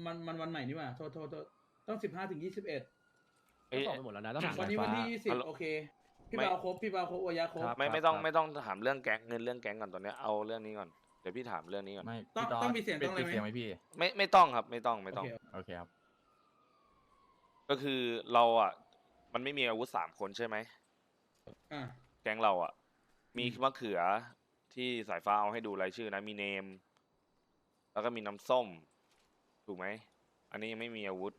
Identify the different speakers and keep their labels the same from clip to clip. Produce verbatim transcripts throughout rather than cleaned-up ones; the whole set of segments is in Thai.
Speaker 1: มันมันวันใหม่นี่หว่าโทษโทษโทษต้องสิบห้าถึงยี่สิบเอ็ด
Speaker 2: ก็สอบไปหมดแล้วนะต้องถาม
Speaker 1: วันนี้
Speaker 2: สาย
Speaker 1: วัน
Speaker 2: ฟ้า
Speaker 1: ที่ยี่สิบโอเคพี่
Speaker 3: ไม่
Speaker 1: เปาครบพี่เปาครบโอยะครบ
Speaker 2: ครับ
Speaker 3: ไม่ไม่ต้องไม่ต้องถามเรื่องแก๊งเงินเรื่องแก๊งก่อนตอนเนี้ยเอาเรื่องนี้ก่อนเดี๋ยวพี่ถามเรื่องนี้ก่อน
Speaker 2: ไม่
Speaker 1: ต้อง
Speaker 2: พี่
Speaker 1: ต้องมีเสียง
Speaker 2: ปิด
Speaker 1: ต้องอะไร
Speaker 2: ปิด
Speaker 1: ไหม
Speaker 2: เสียงไหมพี่
Speaker 3: ไม่ไม่ต้องครับไม่ต้องไม่ต้อง
Speaker 1: โอเค
Speaker 2: โอเคครับ
Speaker 3: ก็คือเราอ่ะมันไม่มีอาวุธสามคนใช่ไหม
Speaker 1: อ่า
Speaker 3: แก๊งเราอ่ะ มี
Speaker 1: อืม
Speaker 3: มะเขือที่สายฟ้าเอาให้ดูรายชื่อนะมีเนม แล้วก็มีน้ำส้ม ถูกไหมอันนี้ยังไม่มีอาวุธ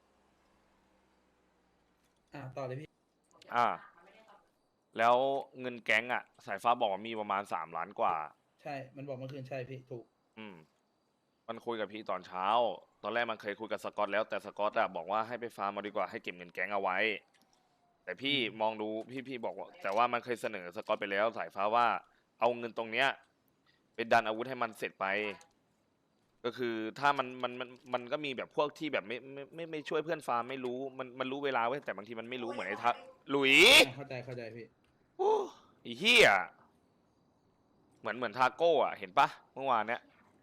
Speaker 1: อ่าต่อเลยพี่
Speaker 3: อ่า แล้วเงินแก๊งอ่ะ สายฟ้าบอกว่ามีประมาณสามล้านกว่า
Speaker 1: ใช่มันบอกเมื่อคืนใช่พี่ถูก
Speaker 3: อืม มันคุยกับพี่ตอนเช้า ตอนแรกมันเคยคุยกับสกอตแล้วแต่สกอตอะบอกว่าให้ไปฟาร์มมาดีกว่าให้เก็บเงินแก๊งเอาไว้ แต่พี่มองดูพี่พี่บอกว่า แต่ว่ามันเคยเสนอสกอตไปแล้วสายฟ้าว่าเอาเงินตรงเนี้ยไปดันอาวุธให้มันเสร็จไป ก็คือถ้ามันมันมันมันก็มีแบบพวกที่แบบไม่ไม่ไม่ไม่ช่วยเพื่อนฟาร์มไม่รู้มันมันรู้เวลาไว้ยแต่บางทีมันไม่รู้เหมือนไอ้ทักหลุย
Speaker 1: อ่าเข้าใจเข้าใจพี่
Speaker 3: โอ้ไอ้เหี้ยเหมือนเหมือนทาโก้อะเห็นปะเมื่อวานเนี้ย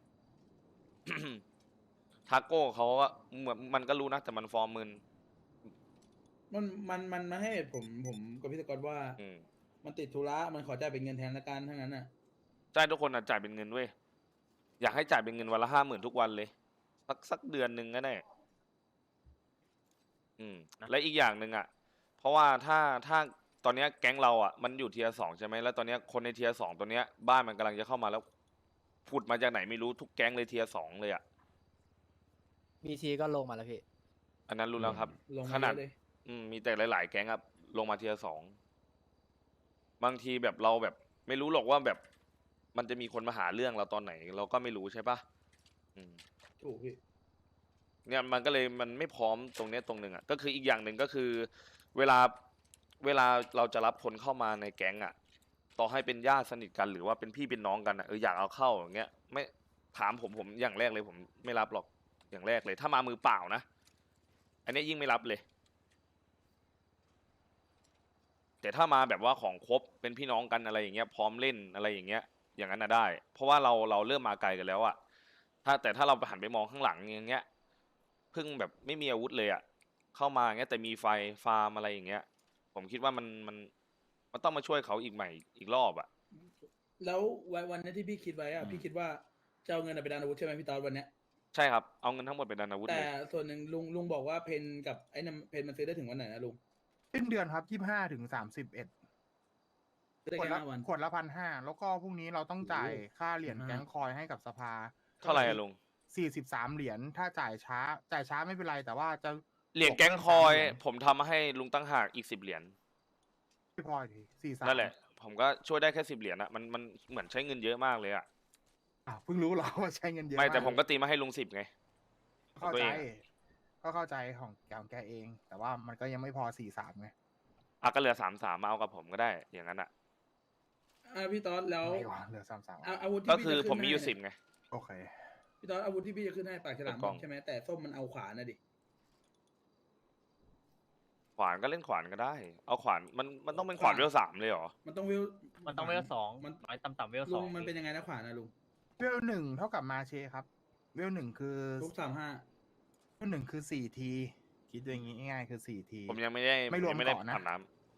Speaker 3: ทาโก้เขาก็เหมือนมันก็รู้นะแต่มันฟอร์มมึน
Speaker 1: มันมันมันมาให้ผมผมกับพี่สกอตว่า
Speaker 3: อืม
Speaker 1: มันติดธุระมันขอจ่ายเป็นเงินแทนละกันทั้งนั้นน่ะ
Speaker 3: ใช่ทุกคนอะจ่ายเป็นเงินเว้ยอยากให้จ่ายเป็นเงินวันละห้าหมื่นทุกวันเลย สักสักเดือนหนึ่งก็ได้อืม และอีกอย่างหนึ่งอะเพราะว่าถ้าถ้าตอนเนี้ยแก๊งเราอะมันอยู่เทียร์สองใช่ไหมแล้วตอนเนี้ยคนในเทียร์สองตัวเนี้ยบ้านมันกำลังจะเข้ามาแล้วผุดมาจากไหนไม่รู้ทุกแก๊งเลยเทียร์สองเลยอะ
Speaker 4: บีทีก็ลงมาแล้วพี่
Speaker 3: อันนั้นรู้แล้วครับ
Speaker 1: ลง
Speaker 3: ข
Speaker 1: มา
Speaker 3: นาด
Speaker 1: เยอะเลย
Speaker 3: อืมมีแต่หลาย ๆ แก๊งครับลงมาเทียร์สองบางทีแบบเราแบบ ไม่รู้หรอกว่าแบบ มันจะมีคนมาหาเรื่องเราตอนไหน เราก็ไม่รู้ใช่ปะอืม
Speaker 1: ถูกพี่
Speaker 3: เนี่ยมันก็เลยมันไม่พร้อมตรงเนี้ยตรงหนึ่งอ่ะก็คืออีกอย่างหนึ่งก็คือ เวลาเวลาเราจะรับคนเข้ามาในแก๊งอ่ะ ต่อให้เป็นญาติสนิทกันหรือว่าเป็นพี่เป็นน้องกันอ่ะเอออยากเอาเข้าอย่างเงี้ยไม่ถามผมผมอย่างแรกเลยผมไม่รับหรอกอย่างแรกเลย ถ้ามามือเปล่านะอันนี้ยิ่งไม่รับเลย แต่ถ้ามาแบบว่าของครบเป็นพี่น้องกันอะไรอย่างเงี้ยพร้อมเล่นอะไรอย่างเงี้ย อย่างนั้นน่ะได้ เพราะว่าเราเราเริ่มมาไกลกันแล้วอะถ้าแต่ถ้าเราไปหันไปมองข้างหลังอย่างเงี้ยเพิ่งแบบไม่มีอาวุธเลยอะเข้ามาอย่างเงี้ยแต่มีไฟฟาร์มอะไรอย่างเงี้ย ผมคิดว่ามันมันมันต้องมาช่วยเขาอีกใหม่อีกรอบอะ
Speaker 1: แล้ววันวันนี้ที่พี่คิดไว้อะพี่คิดว่าจะเอาเงินไปดันอาวุธใช่ไหมพี่ตอนวันเนี้ย
Speaker 3: ใช่ครับเอาเงินทั้งหมดไปดันอาวุธ
Speaker 1: แต่
Speaker 3: เลย
Speaker 1: ส่วนหนึ่งลุงลุงบอกว่าเพนกับไอ้นั่นเพนมันซื้อได้ถึงวันไหนนะลุง
Speaker 5: สิ้นเดือนครับยี่ห้าถึงสามสิบเอ็ด
Speaker 1: ซื้อได้
Speaker 5: ขวด
Speaker 1: แค่
Speaker 5: ละ
Speaker 1: ห้าวัน
Speaker 5: ขวดละพันห้าแล้วก็พรุ่งนี้เราต้องจ่าย
Speaker 1: โอ้โห
Speaker 5: ค่าเหรียญ
Speaker 1: อ่า
Speaker 5: แก๊งคอยให้กับสภา
Speaker 3: เท่าไหร่อะลุง
Speaker 5: สี่สิบสามเหรียญถ้าจ่ายช้า จ่ายช้าไม่เป็นไรแต่ว่าจะ
Speaker 3: เหรียญแก๊งคอย
Speaker 5: บวกเพิ่มสามเหรีญ
Speaker 3: ผมทำมาให้ลุงตั้งหากอีกสิบเหรียญ
Speaker 5: ไม่พอทีสี่สาม
Speaker 3: นั่นแหละ ผมก็ช่วยได้แค่สิบเหรียญอะมันมันเหมือนใช้เงินเยอะมากเลยอะ
Speaker 5: อ่ะเพิ่งรู้เหรอว่าใช้เงินเยอะ
Speaker 3: ไม่แต่
Speaker 5: าก
Speaker 3: ผมก็ตีมาให้ลุงสิบไง
Speaker 5: เข้า
Speaker 3: ตัว
Speaker 5: ใจ
Speaker 3: เอง
Speaker 5: ก็เข้าใจของแกของแกเอง แต่ว่ามันก็ยังไม่พอสี่สามไง
Speaker 3: อ่ะก็เหลือสามสามมาเอากับผมก็ได้อย่างนั้นอะ
Speaker 1: อ่าพี่ตอนแล้ว
Speaker 5: ไม่หวเหลือสามสาม
Speaker 1: อาอาวุธที่
Speaker 3: ก็
Speaker 1: พี่
Speaker 3: คือ
Speaker 1: จะ
Speaker 3: ผม
Speaker 1: ขึ้น
Speaker 3: มี
Speaker 1: ให้
Speaker 3: อยู่สิบไง
Speaker 5: โอเค
Speaker 1: พี่ตอนอาวุธที่พี่จะขึ้นให้ปากฉลาม
Speaker 3: กล่อง
Speaker 1: ใช่ไหมแต่ส้มมันเอาขวานะดิ
Speaker 3: ขวานก็เล่นขวานก็ได้ เอาขวานมันมันต้องเป็นขวานเวลสามเลยเหรอ
Speaker 1: มันต้องวิว
Speaker 6: มันต้องเวลสอง
Speaker 1: มัน
Speaker 6: น้อยต่ำๆเวลส
Speaker 1: ลุ
Speaker 6: อง ง
Speaker 1: มันเป็นยังไงนะขวานะลุง
Speaker 5: เวลหนึ่งเท่ากับมาเชครับ เวลหนึ่งคือ
Speaker 1: ทุกสามห้า
Speaker 5: เวลหนึ่งคือสี่ที คิดดูอย่างงี้ง่ายๆคือสี่ที
Speaker 3: ผมยังไม่ได้
Speaker 5: ไม่รวม
Speaker 3: ยังไม่ได้
Speaker 5: เกาะนะ
Speaker 3: อาบน้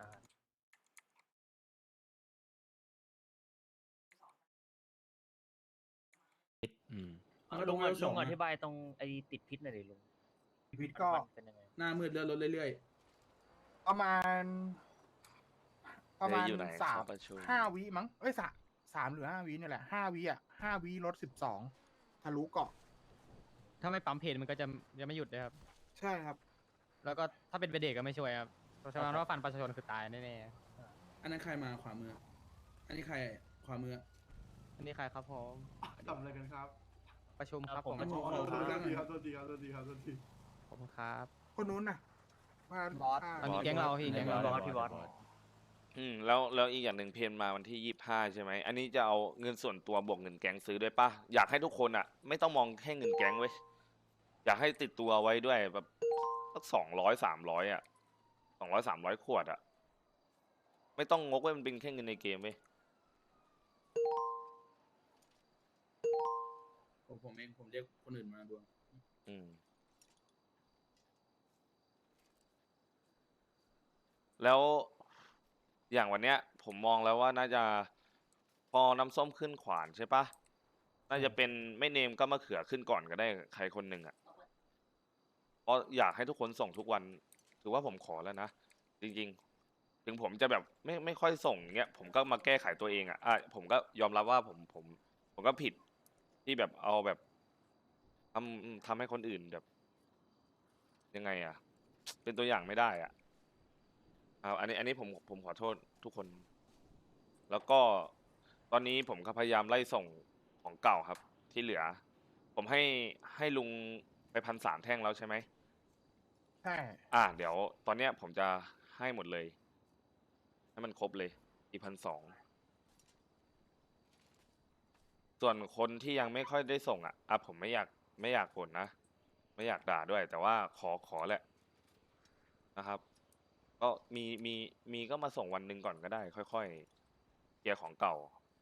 Speaker 2: อืม
Speaker 1: มันก็
Speaker 6: ลุ
Speaker 1: ต้อง
Speaker 6: ง
Speaker 1: เวลส
Speaker 6: ลุ
Speaker 1: อง
Speaker 6: งอ
Speaker 1: นะ
Speaker 6: ธิบายตรงไอ้ติดพิษหน่อยดิลุง
Speaker 5: พิษก็
Speaker 6: มันเป็นยังไง
Speaker 1: หน้ามืดเลื่อนรถเรื่อย
Speaker 5: ประมาณ
Speaker 3: ำ
Speaker 5: ประมาณ
Speaker 3: เดี๋ยวอยู่ไหน
Speaker 5: สาม
Speaker 3: เข้ประชุม
Speaker 5: ห้าวิมั้งเอ้ยสามสามหรือห้าวิเนี่ยแหละห้าวิอ่ะห้าวิลดสิบสองทะลุเกาะ
Speaker 4: ถ้าไม่ปั๊มเพจมันก็จะจะไม่หยุดเลยครับ
Speaker 5: ใช่ครับ
Speaker 4: แล้วก็ถ้าเป็นเบเด็กก็ไม่ช่วยครับเพราะฉะนั้นว่าฟันประชาชนคือตายแน่
Speaker 1: ๆ อันนั้นใครมาขวามือ อันนี้ใครขวามือ
Speaker 4: ๆอันนี้ใครครับผม
Speaker 7: ทำอะไรกันครับ
Speaker 4: ประชุมครับ
Speaker 6: ผม
Speaker 4: ผมประชุม
Speaker 1: ขอ
Speaker 7: โท
Speaker 1: ดู
Speaker 7: ษ
Speaker 1: ร่างหน่
Speaker 7: ที
Speaker 1: อย
Speaker 7: ครับโทษทีครับโทษทีครับโทษที
Speaker 4: ขอบคุณครับ
Speaker 5: คนนู้นน่ะมา
Speaker 4: บอส
Speaker 5: ฆ่า
Speaker 4: อันนี้แก๊งเราพี่แก๊งเรา
Speaker 6: บอสพี่บอส
Speaker 3: อืมแล้วแล้วอีกอย่างหนึ่งเพนมาวันที่ยี่สิบห้าใช่ไหมอันนี้จะเอาเงินส่วนตัวบวกเงินแก๊งซื้อด้วยปะอยากให้ทุกคนอ่ะ ไม่ต้องมองแค่เงินแก๊งเว้ยอยากให้ติดตัวไว้ด้วยแบบสักสองร้อยสามร้อยอ่ะสองร้อยสามร้อยขวดอ่ะไม่ต้องงกไว้มันเป็นแค่เงินในเกมเว้ย
Speaker 1: ผมผมเองผมเรียกคนอื่นมาดู
Speaker 3: อืมแล้วอย่างวันเนี้ย ผมมองแล้วว่าน่าจะพอน้ำส้มขึ้นขวานใช่ปะน่าจะเป็นไม่เนมก็มะเขือขึ้นก่อนก็ได้ใครคนหนึ่งอ่ะเพราะอยากให้ทุกคนส่งทุกวัน ถือว่าผมขอแล้วนะ จริงๆ ถึงผมจะแบบไม่ไม่ค่อยส่งเงี้ยผมก็มาแก้ไขตัวเองอ่ะอ่ะผมก็ยอมรับว่าผมผม ผมก็ผิดที่แบบเอาแบบทำทำให้คนอื่นแบบ ยังไงอ่ะ เป็นตัวอย่างไม่ได้อ่ะเอาอันนี้อันนี้ผมผมขอโทษทุกคน แล้วก็ตอนนี้ผมก็พยายามไล่ส่งของเก่าครับ ที่เหลือ ผมให้ให้ลุงไปพันสามแท่งแล้วใช่ไหม
Speaker 5: ใช่
Speaker 3: อ่าเดี๋ยวตอนเนี้ยผมจะให้หมดเลย ให้มันครบเลยอีพันสองส่วนคนที่ยังไม่ค่อยได้ส่งอ่ะอ่ะผมไม่อยากไม่อยากบ่นนะ ไม่อยากด่าด้วย แต่ว่าขอขอแหละนะครับ ก็มีมีมีก็มาส่งวันหนึ่งก่อนก็ได้ ค่อยๆเคลียร์ของเก่า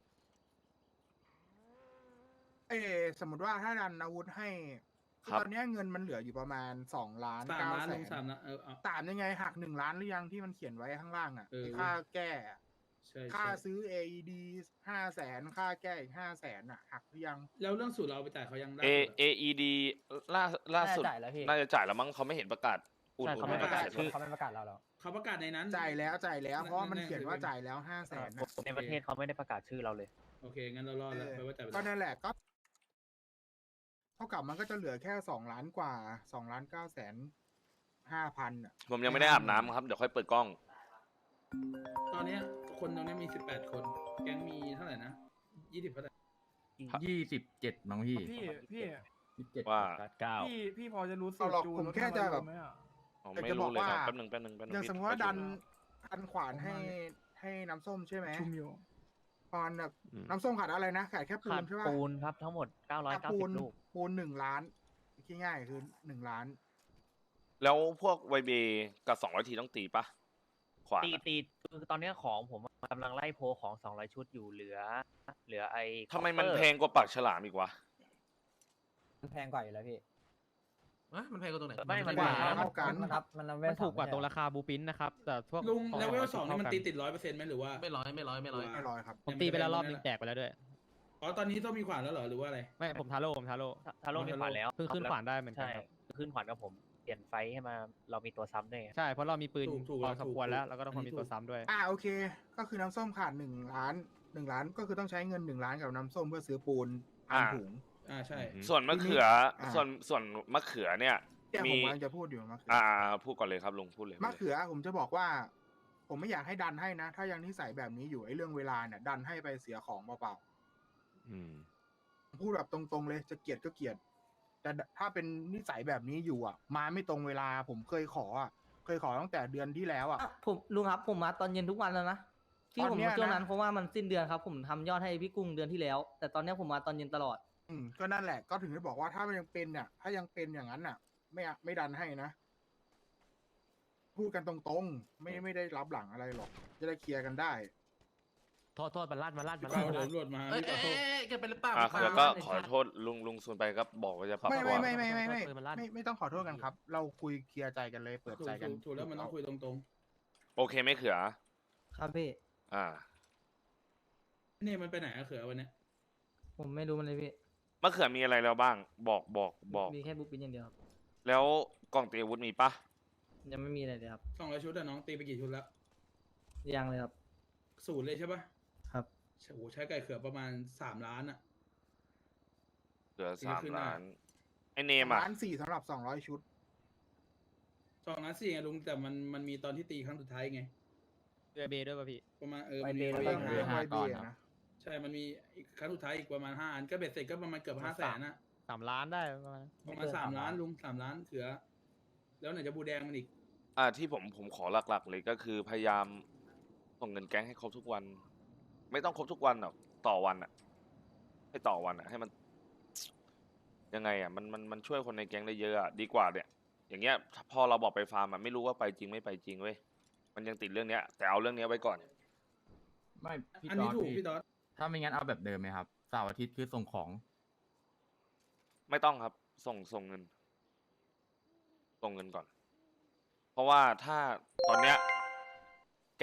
Speaker 5: เออสมมติว่าถ้าดันอาวุธให้คือ
Speaker 3: ครับ
Speaker 5: ตอนเนี้ยเงินมันเหลืออยู่ประมาณสองล้าน
Speaker 1: สาม
Speaker 5: เก้า
Speaker 1: ล้าน
Speaker 5: แส
Speaker 1: ลุง
Speaker 5: น
Speaker 1: สามล้านเออเอา
Speaker 5: สามยังไงหักหนึ่งล้านหรือยังที่มันเขียนไว้ข้างล่างอ่ะ
Speaker 1: เออ
Speaker 5: ไอ้ค่าแก้อะ
Speaker 1: ใช่
Speaker 5: ค่า
Speaker 1: ใช่
Speaker 5: ซื้อ เอ อี ดี ห้าแสนค่าแก้อีกห้าแสนอ่ะหักหรือยัง
Speaker 1: แล้วเรื่องสูตรเราเอาไปจ่ายเขายังได้
Speaker 3: A
Speaker 1: หรอ
Speaker 3: A E D ล่าล่าสุด
Speaker 6: น่าจะจ่ายแล้วพี่
Speaker 3: น่าจะจ่ายแล้วมั้งเขาไม่เห็นประกาศอุ่น
Speaker 6: ใช่
Speaker 3: อุ่
Speaker 6: เขา
Speaker 3: น
Speaker 6: ไม่
Speaker 3: ให้
Speaker 6: ประกาศ
Speaker 3: เสร็จ
Speaker 6: ชื่อ
Speaker 3: แล้ว
Speaker 6: เขาไม่ประกาศเราแล้ว
Speaker 1: เขาประกาศในนั้น
Speaker 5: จ่ายแล้วจ่ายแล้วเพราะว่ามัน
Speaker 1: นั่น
Speaker 5: เขียน
Speaker 1: คือ
Speaker 5: ว่าจ่ายแล้วห้าแสนนะ
Speaker 6: ในประเทศเขาไม่ได้ประกาศชื่อเราเลย
Speaker 1: โอเค งั้นเรารอดแล้วแปลว่าจ่ายไป
Speaker 5: ก็
Speaker 1: แล้ว
Speaker 5: นั่นแหละก็เท่ากับมันก็จะเหลือแค่สองล้านกว่าสองล้านเก้าแสนห้าพันอ่ะ
Speaker 3: ผมยังไม่ได้อาบน้ำครับ เดี๋ยวค่อยเปิดกล้อง
Speaker 1: ตอนเนี้ยคนตรงเนี้ยมีสิบแปดคน แก๊งมีเท่าไหร่นะยี่สิบเท่าไหร่
Speaker 8: ยี่สิบเจ็ดน้องพี่
Speaker 7: พี่พี่
Speaker 8: ยี่สิบเจ็ด
Speaker 3: ว่า
Speaker 2: เก้า
Speaker 7: พี่พี่พอจะรู้สู
Speaker 5: เอา
Speaker 7: ต
Speaker 5: หร
Speaker 7: ร
Speaker 5: อก
Speaker 7: จูน
Speaker 5: ผม
Speaker 7: รถ
Speaker 5: แค่จะแบบ
Speaker 7: ไหมอ่ะ
Speaker 3: ผม
Speaker 5: แต่
Speaker 3: ไม่
Speaker 5: จะ
Speaker 3: รู้เลยครับ
Speaker 5: บอกว่า
Speaker 3: แป๊บหนึงแป๊บหนึงแป๊บหนึง
Speaker 5: อย่าง
Speaker 3: พี่
Speaker 5: สมมติว่า
Speaker 3: ประ
Speaker 5: ดั
Speaker 3: ชุ
Speaker 5: นดันขวานให้ให้น้ำส้มใช่ไหม
Speaker 7: ชุมอยู่
Speaker 5: ตอนแบบ
Speaker 2: อืม
Speaker 5: น้ำส้มขาดอะไรนะขาดแค่ปู
Speaker 6: ขาด
Speaker 5: นใช่ป่ะ
Speaker 6: ปูนครับทั้งหมด
Speaker 5: ขาด
Speaker 6: เก้าร้อยเก้า
Speaker 5: ปู
Speaker 6: สิ
Speaker 5: น
Speaker 6: บ ลูก
Speaker 5: ปูนหนึ่งล้านคิดง่ายๆคือหนึ่งล้าน
Speaker 3: แล้วพวกไวเบกับสองร้อยทีต้องตีปะขวาน
Speaker 6: ตี
Speaker 3: อะ
Speaker 6: ตีคือตอนเนี้ยของผมกำลังไล่โพลของสองร้อยชุดอยู่เหลือ เหลือไอ้
Speaker 3: ทำไมมัน
Speaker 6: copper
Speaker 3: แพงกว่าปากฉลามอีกวะ
Speaker 9: มันแพงกว่าอยู่แล้วพี่
Speaker 7: มันแพงกว่าตรงไหน
Speaker 6: ไม่มัน
Speaker 5: กว่า
Speaker 6: มัน
Speaker 5: เท่ากัน
Speaker 9: มันครับมันเอาเว
Speaker 4: มันถูกกว่าตรงราคาบูปินนะครับ แต่พวก
Speaker 1: ลุง
Speaker 4: ของ
Speaker 1: เลเวลสองนี่มัน
Speaker 4: ท่า
Speaker 1: ตี
Speaker 4: กั
Speaker 1: ติดร้อยเปอร์เซ็นต์ไหมหรือว่า
Speaker 7: ไม่ร้อยไม่ร้อยไม่ร้อย
Speaker 5: ไม่ร้อยครับ
Speaker 4: ผมตีไปแล้วรอบนึงแตกไปแล้วด้วย
Speaker 1: อ๋อ ตอนนี้ต้องมีขวานแล้วเหรอ หรือว่าอะไร
Speaker 4: ไม่ผมทาโร่ผมทาโร่
Speaker 6: ทาโร่มีขวานแล้ว
Speaker 4: เพิ่งขึ้นขวานได้เหมือนกัน
Speaker 6: ใช่
Speaker 4: ครับ
Speaker 6: ขึ้นขวานกับผมเปลี่ยนไฟให้มาเรามีตัวซ้ำด้วยไง
Speaker 4: ใช่เพราะเรามีปืน
Speaker 1: ถูกถูก
Speaker 4: พอสมควร
Speaker 1: ถูก
Speaker 4: แล้ว
Speaker 1: ถูก
Speaker 4: แล้วก็ต้อง
Speaker 1: อันนี้
Speaker 4: มีตัว
Speaker 1: ถูก
Speaker 4: ซ้ำด้วย
Speaker 5: อ่าโอเค ก็คือน้ำส้มขาดหนึ่งล้านหนึ่งล้านก็คือต้องใช้เงินหนึ่งล้านกับน้ำส้มเพื่อซื้อปูนอัน
Speaker 3: อ่า
Speaker 5: ถุง
Speaker 1: อ่า ใช่
Speaker 3: ส่วนมะเขือ
Speaker 5: อ่า
Speaker 3: ส่วนส่วนมะเขือเนี่ย
Speaker 5: แต่ผ
Speaker 3: มี
Speaker 5: มกำลังจะพูดอยู่มะเขือ
Speaker 3: อ่าพูดก่อนเลยครับลุงพูดเลย
Speaker 5: มะเขือผมจะบอกว่า ผมไม่อยากให้ดันให้นะ ถ้ายังนิสัยแบบนี้อยู่ไอ้เรื่องเวลาเนี่ย ดันให้ไปเสียของเปล่า
Speaker 2: อืม
Speaker 5: ๆพูดแบบตรงๆเลยจะเกลียดก็เกลียด แต่ถ้าเป็นนิสัยแบบนี้อยู่อ่ะ มาไม่ตรงเวลาผมเคยขออ่ะเคยขอตั้งแต่เดือนที่แล้วอ่ะ
Speaker 9: อ่ะผมลุงครับผมมาตอนเย็นทุกวันแล้วนะที่
Speaker 5: ตอน
Speaker 9: ผม
Speaker 5: เนี้ย
Speaker 9: มาช่วงนั้น
Speaker 5: นะ
Speaker 9: เพราะว่ามันสิ้นเดือนครับ ผมทำยอดให้พี่กุ้งเดือนที่แล้ว แต่ตอนเนี้ยผมมาตอนเย็นตลอด
Speaker 5: อืมก็นั่นแหละก็ถึงได้บอกว่าถ้ามันยังเป็นเนี่ยถ้ายังเป็นอย่างนั้นน่ะ ไม่อะไม่ดันให้นะ พูดกันตรงๆ ไม่ไม่ได้รับหลังอะไรหรอก จะได้เคลียร์กันได้
Speaker 2: โทษโทษมันลั่นมันลั่นมัน
Speaker 1: เขา
Speaker 2: ลั่นมัน
Speaker 1: เดี๋ย
Speaker 2: ลั่
Speaker 1: วน ตำรวจมา
Speaker 7: เอ้ย
Speaker 1: พี่
Speaker 7: เอ้ย
Speaker 1: ขอโทษ
Speaker 7: เอ้ยแกเป็นหรือเปล่า
Speaker 3: อ่ะ
Speaker 7: พี่
Speaker 3: แล้ว
Speaker 7: ปา
Speaker 3: ก็
Speaker 7: ล์ม
Speaker 3: ขอโทษลุงลุงส่วนไปก็บอกว่าจะปรับ
Speaker 5: ไม่
Speaker 3: ตัว
Speaker 5: ไม่ไม่ไม่ไม่ไม่
Speaker 2: ปืนมันลั่น
Speaker 5: ไม่ไม่ต้องขอโทษกันครับ เราคุยเคลียร์ใจกันเลยเปิด
Speaker 1: ถูก
Speaker 5: ใจกัน
Speaker 1: ถูกถูกแล้วมันต้องคุยตรง
Speaker 3: โอเคไหม่เขือ
Speaker 9: ครับพี่
Speaker 3: อ่า
Speaker 1: ๆ นี่มันไปไหนอะเขือวันเนี้ย
Speaker 9: ผมไม่รู้มันเลยพี่
Speaker 3: มะเขือมีอะไรแล้วบ้าง บอกบอกบอก
Speaker 9: มีแค่บูปินอย่างเดียวครับ
Speaker 3: แล้วกล่องตีอาวุธมีปะ
Speaker 9: ยังไม่มีอะไรเลยครับ
Speaker 1: สองร้อยชุดอะน้องตีไปกี่ชุดแล้ว
Speaker 9: ยังเลยครับ
Speaker 1: ศูนย์เลยใช่ปะ
Speaker 9: ครับ
Speaker 1: โอ้โหใช้ไก่เขือประมาณสามล้านอะ
Speaker 3: เหลือ
Speaker 1: ตี
Speaker 3: สาม
Speaker 1: ขึ้นมา
Speaker 3: ล้าน ไอเนมอ่ะ
Speaker 5: ล้านสี่สำหรับสองร้อยชุด
Speaker 1: สองล้านสี่ไงลุง แต่มันมันมีตอนที่ตีครั้งสุดท้ายไง
Speaker 4: เรือเบด้วยป่ะพี่
Speaker 1: ประมาณเออ
Speaker 9: ไป
Speaker 1: มัน
Speaker 9: เบ
Speaker 1: มี
Speaker 9: ย์
Speaker 5: เรื่อง
Speaker 9: ไป
Speaker 5: เรื่อง
Speaker 8: ห้า
Speaker 5: ไว
Speaker 8: ก้
Speaker 5: เบี
Speaker 8: อน
Speaker 5: ย
Speaker 8: ครับ
Speaker 5: นะ
Speaker 1: ใช่ มันมีอีกครั้งสุดท้ายอีกประมาณห้าอัน ก็เบ็ดเสร็จก็ประมาณเกือบห้าแสนอะ
Speaker 4: สามล้านได้ประมาณ
Speaker 1: ประมาณสามล้านลุงสามล้านเขือ แล้วไหนจะบูแดงมันอีก
Speaker 3: อ่าที่ผมผมขอหลักๆ เลยก็คือพยายามส่งเงินแก๊งให้ครบทุกวัน ไม่ต้องครบทุกวันหรอกต่อวันอ่ะ ให้ต่อวันอ่ะ ให้มัน ยังไงอ่ะมันมันมันช่วยคนในแก๊งได้เยอะอ่ะดีกว่าเนี่ย อย่างเงี้ยพอเราบอกไปฟาร์มอ่ะไม่รู้ว่าไปจริงไม่ไปจริงเว้ยมันยังติดเรื่องเนี้ย แต่เอาเรื่องเนี้ยไว้ก่อน
Speaker 8: ไม่พี่
Speaker 1: อัน
Speaker 8: ตอ
Speaker 1: นี้
Speaker 8: ด
Speaker 1: ถูก
Speaker 8: พี่
Speaker 1: พี่ดอส
Speaker 8: ถ้าไม่งั้นเอาแบบเดิมไหมครับเสาร์อาทิตย์คือส่งของ
Speaker 3: ไม่ต้องครับ ส่งส่งเงิน ส่งเงินก่อน เพราะว่าถ้าตอนเนี้ย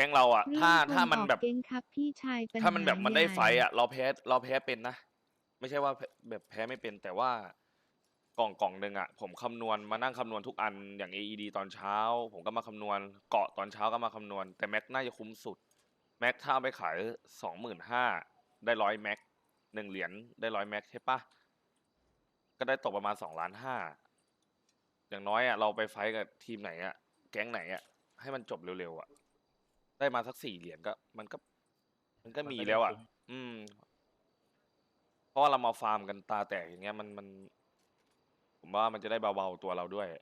Speaker 3: ก๊งเราอ่ะ ถ้าถ้ามันแบบ
Speaker 10: เก่งครับพี่ชายปัญห
Speaker 3: ถ้ามันแบบมันได้ไฟต์
Speaker 10: ใหญ่
Speaker 3: อ่ะ เราแพ้เราแพ้เป็นนะ ไม่ใช่ว่าแพ้แบบแพ้ไม่เป็นแต่ว่ากล่องกล่องหนึ่งอ่ะ ผมคำนวณมานั่งคำนวณทุกอันอย่าง เอ อี ดี ตอนเช้า ผมก็มาคำนวณเกาะตอนเช้าก็มาคำนวณ แต่แม็กน่าจะคุ้มสุด แม็กถ้าเอาไปขายสองหมื่นห้าได้ร้อยแม็กหนึ่งเหรียญได้ร้อยแม็กใช่ปะก็ได้ตกประมาณสองล้านห้าอย่างน้อยอ่ะเราไปไฟต์กับทีมไหนอ่ะแก๊งไหนอ่ะให้มันจบเร็วๆอ่ะได้มาสักสี่เหรียญก็มันก็ มันก็มีแล้วอ่ะ อืม เพราะว่าเรามาฟาร์มกันตาแตกอย่างเงี้ยมันมัน ผมว่ามันจะได้เบาๆตัวเราด้วย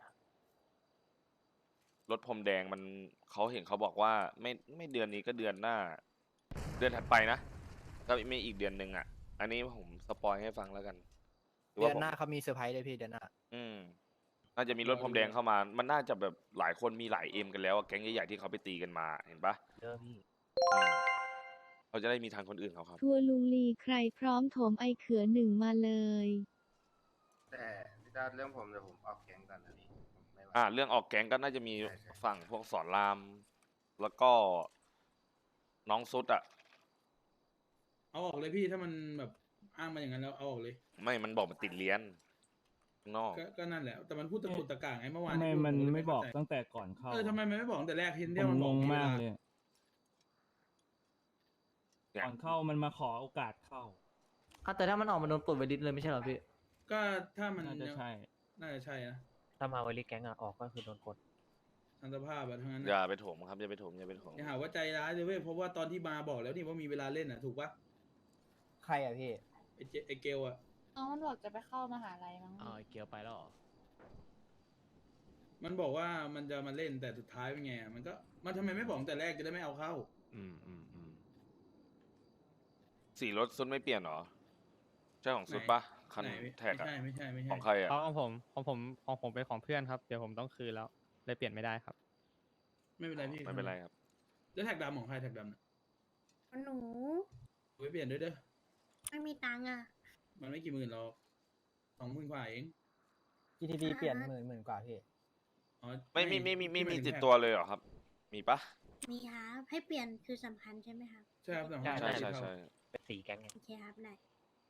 Speaker 3: รถพรมแดงมันเขาเห็นเขาบอกว่าไม่ไม่เดือนนี้ก็เดือนหน้า เดือนถัดไปนะก็ไม่อีกเดือนหนึ่งอ่ะ อันนี้ผมสปอยให้ฟังแล้วกัน
Speaker 6: เดือนหน้าเขามีเซอร์ไพรส์เลยพี่เดือนหน้า
Speaker 3: อืมน่าจะมีรถพรมแดงเข้ามา มันน่าจะแบบหลายคนมีหลายเอ็มกันแล้วอะแก๊งใหญ่ๆที่เขาไปตีกันมาเห็นปะ
Speaker 6: เริ่มพี่
Speaker 3: อืมเขาจะได้มีทางคนอื่นเขาครับ
Speaker 10: ทัวร์ลุงลีใครพร้อมโถมไอเขือหนึ่งมาเลย
Speaker 11: แต่พี่ตาเรื่องผมเดี๋ยวผมออกแก๊งก่อนนะพี่ผมไม่ไหว
Speaker 3: อ่าเรื่องออกแก๊งก็น่าจะมี
Speaker 11: ใช่ใช่
Speaker 3: ฝั่งพวกสอนราม แล้วก็น้องซุดอ่ะ
Speaker 1: เอาออกเลยพี่ถ้ามันแบบอ้างมาอย่างนั้นแล้วเอาออกเลย
Speaker 3: ไม่มันบอกมันติดเลี้ยนข้างนอก
Speaker 1: ก็ก็นั่นแหละแต่มันพูดตะกุดตะก่างไงเมื่อวาน
Speaker 12: ทำไม
Speaker 1: ที่พูด
Speaker 12: มัน
Speaker 1: ผเลย
Speaker 12: ไม่บอก
Speaker 1: เข้าใจ
Speaker 12: ตั้งแต่ก่อนเข้า
Speaker 1: เออทำไมมันไม่บอกตั้งแต่แรกเห็น
Speaker 12: ผ
Speaker 1: เดียว
Speaker 12: ม
Speaker 1: มัน
Speaker 12: ง
Speaker 1: บอก
Speaker 12: ง
Speaker 1: มีเว
Speaker 12: มาก
Speaker 1: ลา
Speaker 12: เลย
Speaker 3: เนี่ย
Speaker 12: ก่อนเข้ามันมาขอโอกาสเข้า
Speaker 9: อ่ะแต่ถ้ามันออกมาโดนปลดไวดิสเลยไม่ใช่เหรอพี่
Speaker 1: ก็ถ้ามัน
Speaker 12: น่าจะใช่
Speaker 1: น่าจะใช่นะ
Speaker 6: ถ้ามาวันลีแก๊งอะออกก็คือโดนกด
Speaker 1: ทางสภาพอะทั้งนั้น
Speaker 3: อย่า
Speaker 1: นะ
Speaker 3: ไปโถมครับอย่าไปโถมอย่าไปโถม
Speaker 1: อย่าหาว่าใจร้ายเลยเว้ยเพราะว่าตอนที่มาบอกแล้วนี่ว่ามีเวลาเล่นอ่ะถูกปะ
Speaker 6: ใครอะพี่
Speaker 1: ไอเจไอเกลอ่ะ
Speaker 10: น้องมันบอกจะไปเข้ามหาลัยมั้ง
Speaker 2: อ๋อเกียวไปแล้วเหรอ
Speaker 1: มันบอกว่ามันจะมาเล่นแต่สุดท้ายเป็นไงอะมันก็มันทำไมไม่บอกตั้งแต่แรกจะได้ไม่เอาเข้า
Speaker 2: อืมอืมอืม
Speaker 3: สีรถซุดไม่เปลี่ยนเหรอใช่ของซุดปะคัน
Speaker 1: ไหน
Speaker 3: แท็ก
Speaker 1: ไม่
Speaker 3: อะ
Speaker 1: ใช่ไม่ใช่ไม่ใช่
Speaker 3: ของใครอะ
Speaker 4: เพราะของผมของผมของผมเป็นของเพื่อนครับเดี๋ยวผมต้องคืนแล้วเลยเปลี่ยนไม่ได้ครับ
Speaker 1: ไม่เป็นไรพี่
Speaker 3: ไม่เป็นไรครับ
Speaker 1: แล้วแท็กดำของใครแท็กดำน่ะ
Speaker 10: หนู
Speaker 1: ไว้เปลี่ยนด้วยเด้อ
Speaker 10: ไม่มีตังค์อ่ะ
Speaker 1: มันไม่กี่หมื่นหรอกสองหมื่นกว่าเอง
Speaker 6: จี ที ดี เปลี่ยนหมื่นหมื่นกว่าพี่
Speaker 1: อ๋อ
Speaker 3: ไม่ไม่ไม่ไม่ไม่
Speaker 1: พี่หา
Speaker 3: มี
Speaker 1: ยถึง
Speaker 3: ติด
Speaker 1: แท็ก
Speaker 3: ตัวเลยเหรอครับ มีปะ
Speaker 10: มีครับให้เปลี่ยนคือสำคัญใช่ไหมครับ
Speaker 1: ใช่ครับแต่ของ
Speaker 6: ใช่
Speaker 3: ใช่
Speaker 1: ใช่
Speaker 3: ใช่ใช่
Speaker 6: เป็นสีแก๊งไง
Speaker 10: โอเคครับได้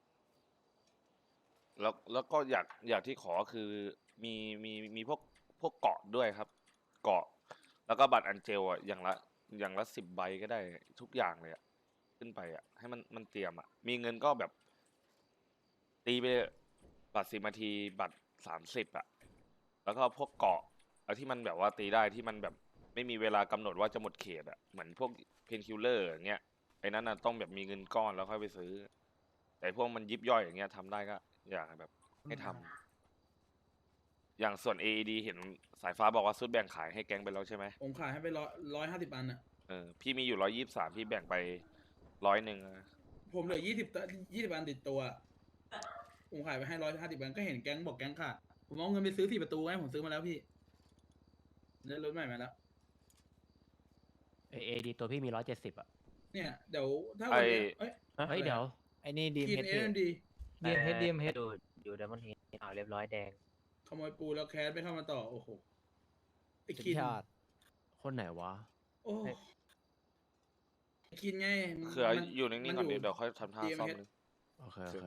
Speaker 3: แล้วแล้วก็อยากอยากที่ขอคือมีมีมีพวกพวกเกาะด้วยครับ เกาะ แล้วก็บัตรอันเจลอ่ะอย่างละอย่างละสิบใบก็ได้ทุกอย่างเลยอ่ะขึ้นไปอ่ะให้มันมันเตรียมอ่ะมีเงินก็แบบ ตีไปบัตรสิบนาทีบัตรสามสิบอ่ะแล้วก็พวกเกาะเอาที่มันแบบว่าตีได้ที่มันแบบไม่มีเวลากำหนดว่าจะหมดเขตอ่ะเหมือนพวกเพนคิลเลอร์อย่างเงี้ยไอ้นั้นน่ะต้องแบบมีเงินก้อนแล้วค่อยไปซื้อ แต่พวกมันยิบย่อยอย่างเงี้ยทำได้ก็อยากให้แบบให้ทำอย่างส่วน เอ อี ดี เห็นสายฟ้าบอกว่าซุดแบ่งขายให้แก๊งไปแล้วใช่ไหม
Speaker 1: ผมขายให้ไปร้อยร้อยห้าสิบอันอ่ะ
Speaker 3: เออพี่มีอยู่ร้อยยี่สิบสามพี่แบ่งไปร้อยหนึ่ง
Speaker 1: ผมเหลือยี่สิบยี่สิบอันติดตัว ผมขายไปให้ร้อยห้าสิบอันก็เห็นแก๊งบอกแก๊งขาดผมเอาเงินไปซื้อสี่ประตูไงผมซื้อมาแล้วพี่ได้รถใหม่มาแล้ว
Speaker 2: เอเอดีตัวพี่มีร้อยเจ็ดสิบอ่ะ
Speaker 1: เนี่ยเดี๋ยวถ้าวันเนี้ยเอ้ย
Speaker 2: เฮ้ยเดี๋ยว
Speaker 6: ไอ้นี่ดีม
Speaker 1: กิน
Speaker 6: เฮด
Speaker 1: เอ็มดี
Speaker 9: ดีมเฮดดีมเฮด
Speaker 6: ดูอยู่เดมอนเฮดเอาเรียบร้อยแดง
Speaker 1: ขโมยปูแล้วแคสไปเข้ามาต่อโอ้โหไอ้
Speaker 6: สุด
Speaker 1: คิน
Speaker 6: ยอด
Speaker 2: คนไหนวะ
Speaker 1: โอ้ไอ้คินไง
Speaker 3: คือ
Speaker 1: มัน
Speaker 3: อยู่นิ่งๆก่อน
Speaker 1: มั
Speaker 3: เดี๋ยวเดี๋ยวค่อยทำท่า
Speaker 1: ดีเอ็ม
Speaker 3: ซ่อม
Speaker 1: เฮด
Speaker 3: นึง
Speaker 2: โอเคโอเค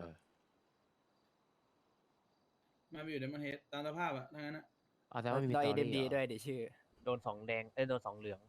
Speaker 1: มาอยู่ในมันเฮดตามสภาพอะทั้งนั้นอะ
Speaker 2: อ๋อแต่ว่ามี
Speaker 6: รอ
Speaker 2: ต
Speaker 6: เอ
Speaker 2: อ
Speaker 6: เดมดี
Speaker 2: รี่เหรอ
Speaker 6: ด้วยเดี๋ยวชื่อ โดนสองแดง เอ้ย โดนสองเหลือง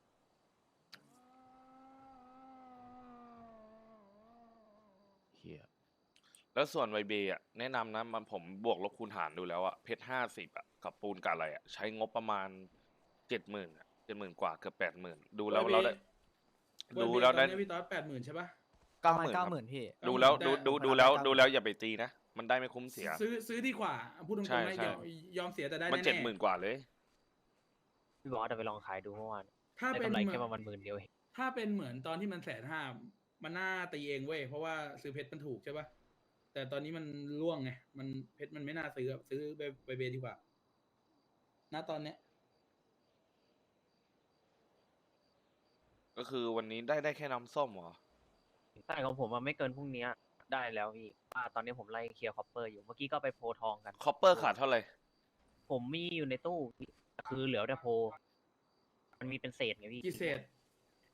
Speaker 2: เฮีย
Speaker 3: แล้วส่วนไวเบย์อ่ะแนะนำนะมันผมบวกลบคูณหารดูแล้วอ่ะเพชรห้าสิบอ่ะกับปูนกับอะไรอ่ะใช้งบประมาณเจ็ดหมื่นอ่ะเจ็ดหมื่นกว่าเกือบแปดหมื่นดูแล้วเราได้
Speaker 1: วัน
Speaker 3: ดู
Speaker 1: เบย์
Speaker 3: แล้วได้
Speaker 1: ตอนนี้พี่ต๊อดแปดหมื่นใช่ปะ
Speaker 3: เก้า
Speaker 6: ประ
Speaker 3: ห
Speaker 6: มาณ
Speaker 3: มื่น
Speaker 6: เก้าหมื่นพี่
Speaker 3: ดูแล้วดูดูดูแล้ว
Speaker 6: เก้าหมื่น
Speaker 3: ดูแล้วอย่าไปตีนะ มันได้ไม่คุ้มเสีย
Speaker 1: ซื้อซื้อดีกว่าพูดตรง
Speaker 3: ใช่
Speaker 1: ๆนะ
Speaker 3: ใช่
Speaker 1: ยอมยอมเสียแต่ได้
Speaker 3: มัน
Speaker 1: แน่
Speaker 3: เจ็ดหมื่นกว่าเลย
Speaker 6: พี่บอสเอาไปลองขายดูเมื่อวาน
Speaker 1: ถ้า
Speaker 6: ได้
Speaker 1: เป็น
Speaker 6: กำไร
Speaker 1: เหมื
Speaker 6: แค่
Speaker 1: อน
Speaker 6: ประมาณหมื่นเดียวเอง
Speaker 1: ถ้าเป็นเหมือนตอนที่มันแสนห้ามันน่าตีเองเว้ยเพราะว่าซื้อเพชรมันถูกใช่ปะแต่ตอนนี้มันร่วงไงมันเพชรมันไม่น่าซื้ออะซื้อไปไปเบดีกว่าณตอนเนี้ย
Speaker 3: ก็คือวันนี้ได้ได้แค่น้ำส้มเหรอ
Speaker 6: ใช่ของผมมันไม่เกินพรุ่งนี้ได้แล้วพี่ว่าตอนนี้ผมไล่เคลียร์คอปเปอร์อยู่ เมื่อกี้ก็ไปโพทองกัน
Speaker 3: คอปเปอร์ขาดเท่าไหร่
Speaker 6: ผมมีอยู่ในตู้ คือเหลือแต่โพ มันมีเป็นเศษไงพี่
Speaker 1: กี่เศษ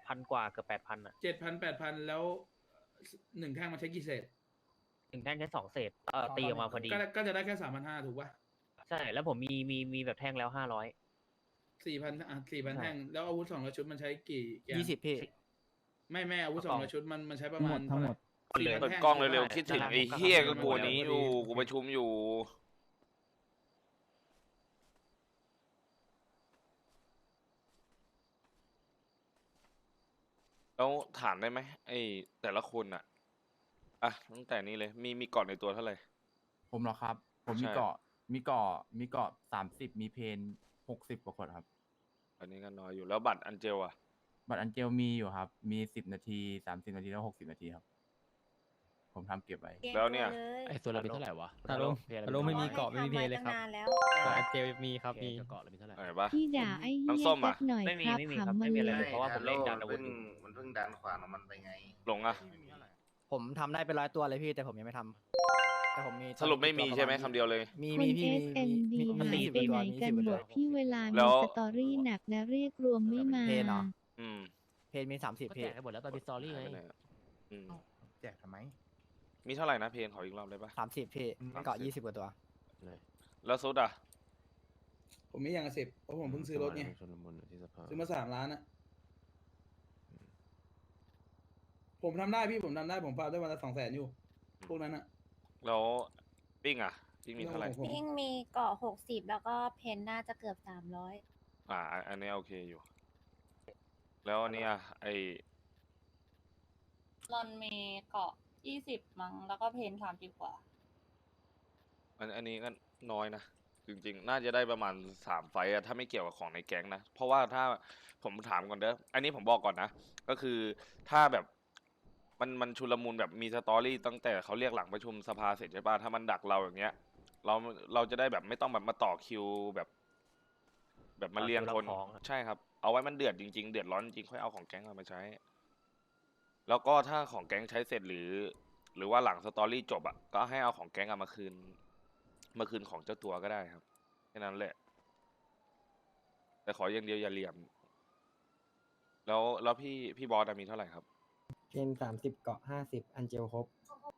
Speaker 6: พันกว่าเกือบแปดพันอ่ะ
Speaker 1: เจ็ดพันแปดพันแล้วหนึ่งแท่งมันใช้กี่เศษ
Speaker 6: ถึงแท่งแค่สองเศษเออตีออกมาพอดี
Speaker 1: ก็ก็จะได้แค่สามพันห้าถูกป่ะ
Speaker 6: ใช่แล้วผมมีมีมีแบบแท่งแล้วห้าร้อย
Speaker 1: สี่พันอ่ะสี่พัน
Speaker 6: ใช่
Speaker 1: แท่งแล้วอาวุธสองร้อยชุดมันใช้กี่แกน
Speaker 9: ยี่สิบพี่
Speaker 1: ไม่แม่อาวุธส
Speaker 6: ก
Speaker 1: อง
Speaker 6: ล่อง
Speaker 1: ร้อยชุดมันมันใช้ประ
Speaker 12: ทั้ง
Speaker 1: มา
Speaker 12: หม
Speaker 1: ณ
Speaker 12: ดทั้งหมด
Speaker 1: สี่พัน
Speaker 3: เปิด
Speaker 1: แท่ง
Speaker 3: กล้องเร็ว
Speaker 6: ได้
Speaker 3: ๆคิดถึง
Speaker 6: ได้
Speaker 3: ไอ้
Speaker 6: ครับ
Speaker 3: เฮียก็
Speaker 1: ได้
Speaker 3: กลัว
Speaker 1: ได้
Speaker 3: นี้
Speaker 1: ได้
Speaker 3: อยู่
Speaker 1: ได้
Speaker 3: กูประชุมอยู่ แล้วถามได้ไหมไอ้แต่ละคนอ่ะอ่ะตั้งแต่นี้เลย มีมีก่อนในตัวเท่าไหร่
Speaker 8: ผมเหรอครับ ผมมี
Speaker 3: ใช่
Speaker 8: เกาะมีเกาะมีเกาะสามสิบมีเพนหกสิบกว่าคนครับ
Speaker 3: อันนี้ก็น้อยอยู่แล้วบัตรอันเจลอ่ะ
Speaker 8: บัตรอันเจลมีอยู่ครับ มีสิบนาทีสามสิบนาทีแล้วหกสิบนาทีครับ ผมทำเก็บไว้
Speaker 3: แล้วเนี่ย
Speaker 2: ไอ้ส่วนเรามีเท่าไหร่วะ
Speaker 4: อารมณ์
Speaker 2: เพล
Speaker 4: อารมณ์ไม่มีเกาะไม่มีเพลเลยครับ
Speaker 13: ทำไว้ตั้งนานแล้ว
Speaker 4: แต่อันเจลมีครับ
Speaker 2: เพล
Speaker 4: มี
Speaker 2: กับเกาะเรามีเท่าไหร่
Speaker 3: เห็นปะ
Speaker 10: พี่ด่าไอ้เหี้
Speaker 3: น้ำ
Speaker 10: ย
Speaker 3: ส้ม
Speaker 10: สั
Speaker 3: อะ
Speaker 10: กหน่อย
Speaker 6: ไม่มี
Speaker 10: ครับ
Speaker 6: ไม่มีครับ
Speaker 10: ขำ
Speaker 6: ไม่
Speaker 10: มัน
Speaker 6: มีอะไร
Speaker 10: เล
Speaker 6: เลย
Speaker 10: ย
Speaker 6: เพราะว่าผมเล่นดันอาวุ
Speaker 11: เพิ่
Speaker 6: ธ
Speaker 11: ง
Speaker 6: อยู่
Speaker 11: มันเพิ่งดันขวานของมันไปไง
Speaker 3: หลงอ่ะ
Speaker 9: ผมทำได้เป็นร้อยตัวเลยพี่แต่ผมยังไม่ทำแต่ผมมี
Speaker 3: สรุปไม่มีใช่ไหมคำเดียวเลย
Speaker 9: มี
Speaker 10: คน
Speaker 9: มีพี่
Speaker 10: เอ
Speaker 9: มี
Speaker 10: สเอ็ม
Speaker 9: มี
Speaker 10: บี
Speaker 9: มี
Speaker 10: หาย
Speaker 9: สิบ
Speaker 10: ไป
Speaker 9: ตัว
Speaker 10: ไหน
Speaker 9: มี
Speaker 10: กัน
Speaker 9: สิบ
Speaker 10: หม
Speaker 9: ตัว
Speaker 10: ดที่เวลา
Speaker 3: แล้
Speaker 10: มี
Speaker 3: ว
Speaker 10: สตอรี่หนักนะเรียกรวมไม่มา
Speaker 9: เพนเหรอ
Speaker 3: อืม
Speaker 9: เพนมีสามสิบ
Speaker 2: ก็
Speaker 9: พี่
Speaker 2: แจกให้หมดแล้วตอนมีสตอรี่ไง
Speaker 3: หายไปไหนอะอืม
Speaker 5: แจกทำไม
Speaker 3: มีเท่าไหร่นะเพนขออีกรอบได้ปะ
Speaker 9: สามสิบพี่
Speaker 5: อืม
Speaker 9: เกาะยี่สิบกว่าตัว
Speaker 3: แล้วซุดอ่ะ
Speaker 1: ผมมีอย่างละสิบเพราะผมเพิ่งซื้อรถไงซื้อมาสามล้านอะผมทำได้พี่ผมทำได้ผมฟาร์มได้วันละสองแสนอยู่ พวกนั้นอะ
Speaker 3: แล้วปิ้งอ่ะปิ้งมีเท่าไหร่
Speaker 1: ผม
Speaker 13: พิงมีเกาะหกสิบแล้วก็เพนน่าจะเกือบสามร้อย
Speaker 3: อ่าอันอันนี้โอเคอยู่ แล้วอันเนี้ยไอ
Speaker 13: รอนมีเกาะยี่สิบมั้งแล้วก็เพนสามสิบกว่า
Speaker 3: อันอันนี้ก็น้อยนะ จริงๆ น่าจะได้ประมาณสามไฟต์อะถ้าไม่เกี่ยวกับของในแก๊งนะ เพราะว่าถ้าผมถามก่อนเด้อ อันนี้ผมบอกก่อนนะ ก็คือถ้าแบบมันมันชุลมุนแบบมีสตอรี่ตั้งแต่เขาเรียกหลังประชุมสภาเสร็จใช่ป่ะ ถ้ามันดักเราอย่างเงี้ย เราเราจะได้แบบไม่ต้องแบบมาต่อคิวแบบ แบบมาเรียงคน
Speaker 6: ต่อคิวรับของอะ
Speaker 3: ใช่ครับ เอาไว้มันเดือดจริงๆ เดือดร้อนจริงๆ ค่อยเอาของแก๊งเรามาใช้ แล้วก็ถ้าของแก๊งใช้เสร็จหรือ หรือว่าหลังสตอรี่จบอ่ะ ก็ให้เอาของแก๊งอะมาคืน มาคืนของเจ้าตัวก็ได้ครับ แค่นั้นแหละ แต่ขออย่างเดียวอย่าเหลี่ยม แล้วแล้วพี่พี่บอสอะมีเท่าไหร่ครับ
Speaker 9: เพนสามสิบเกาะห้าสิบอันเจลครบ